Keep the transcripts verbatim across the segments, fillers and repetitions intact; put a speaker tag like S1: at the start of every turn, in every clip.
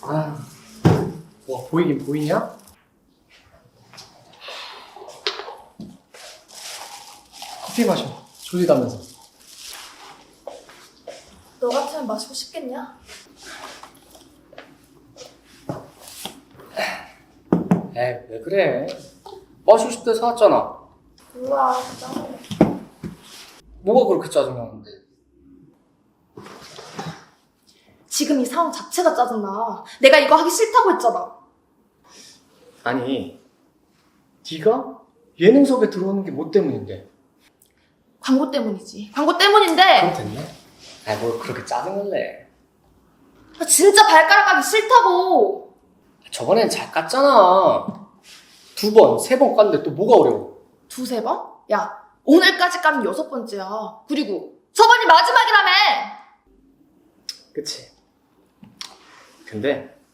S1: 아, 뭐 보이긴 보이냐? 커피 마셔. 졸리다면서.
S2: 너 같으면 마시고 싶겠냐?
S1: 에이, 왜 그래? 마시고 싶대 사왔잖아.
S2: 몰라, 짜증나.
S1: 뭐가 그렇게 짜증나는데?
S2: 지금 이 상황 자체가 짜증나. 내가 이거 하기 싫다고 했잖아.
S1: 아니, 네가 예능섭에 들어오는 게 뭐 때문인데?
S2: 광고 때문이지. 광고 때문인데.
S1: 그럼 됐네? 아이, 뭘 그렇게 짜증을 내.
S2: 나 진짜 발가락 까기 싫다고.
S1: 저번엔 잘 깠잖아. 두 번, 세 번 깠는데 또 뭐가 어려워?
S2: 두세 번? 야, 오늘까지 까면 여섯 번째야. 그리고 저번이 마지막이라며.
S1: 그치? 근데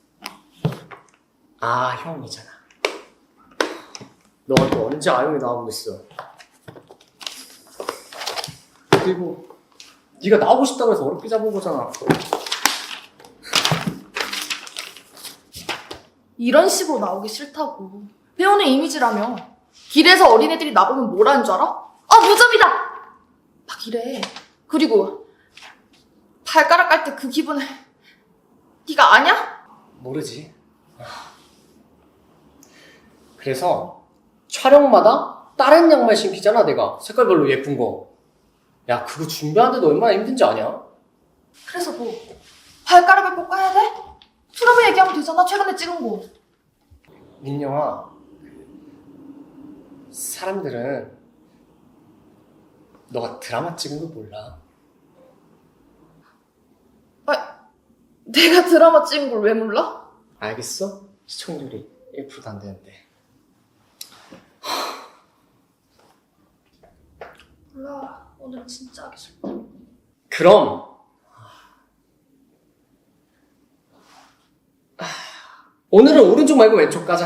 S1: 아, 형이잖아. 너가 또 언제 아영이 나오고 있어? 그리고 네가 나오고 싶다고 해서 어렵게 잡은 거잖아.
S2: 이런 식으로 나오기 싫다고. 배우는 이미지라며. 길에서 어린애들이 나보면 뭐라는 줄 알아? 아, 무좀이다! 막 이래. 그리고 발가락 깔 때 그 기분을 네가 아냐?
S1: 모르지. 그래서 촬영마다 다른 양말 신기잖아, 내가. 색깔별로 예쁜 거. 야, 그거 준비하는데도 얼마나 힘든지 아냐?
S2: 그래서 뭐 발가락을 꼭 까야 돼? 트러블 얘기하면 되잖아, 최근에 찍은 거.
S1: 민영아, 사람들은 너가 드라마 찍은 거 몰라.
S2: 아, 내가 드라마 찍은 걸 왜 몰라?
S1: 알겠어? 시청률이 일 퍼센트도 안 되는데.
S2: 몰라, 오늘은 진짜 하기 싫다.
S1: 그럼 오늘은 오른쪽 말고 왼쪽 가자.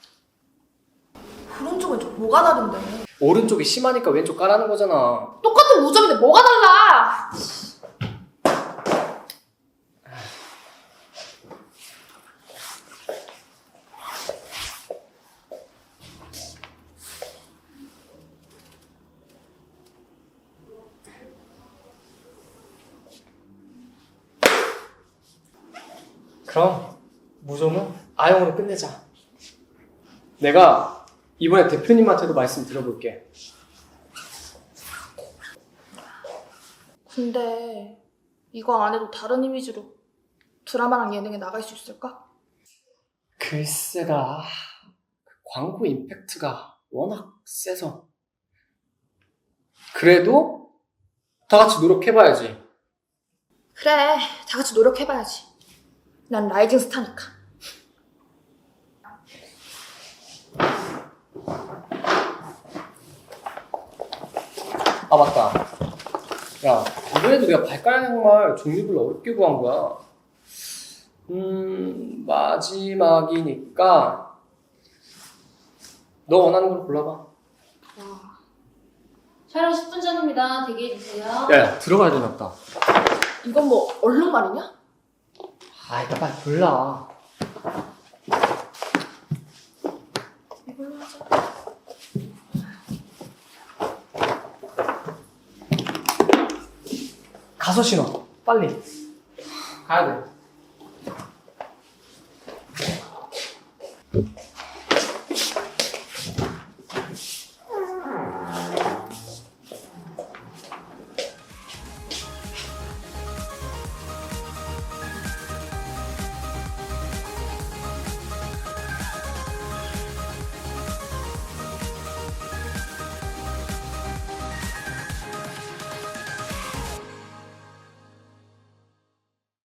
S2: 오른쪽 왼쪽 뭐가 다른데?
S1: 오른쪽이 심하니까 왼쪽 까라는 거잖아.
S2: 똑같은 우점인데 뭐가 달라?
S1: 그럼 무좀은 아영으로 끝내자. 내가 이번에 대표님한테도 말씀 드려볼게.
S2: 근데 이거 안 해도 다른 이미지로 드라마랑 예능에 나갈 수 있을까?
S1: 글쎄다. 광고 임팩트가 워낙 세서. 그래도 다 같이 노력해봐야지.
S2: 그래, 다 같이 노력해봐야지. 난 라이징 스타니까.
S1: 아, 맞다. 야, 이번에도 내가 발가락 양말 종류별로 어렵게 구한 거야. 음, 마지막이니까 너 원하는 걸 골라봐.
S3: 촬영 십 분 전입니다. 대기해주세요.
S1: 야, 야, 들어가야 되나 보다.
S2: 이건 뭐 얼룩말이냐?
S1: 아, 이거 빨리 골라.
S2: 이걸로 하자.
S1: 가서 신어. 빨리. 가야 돼.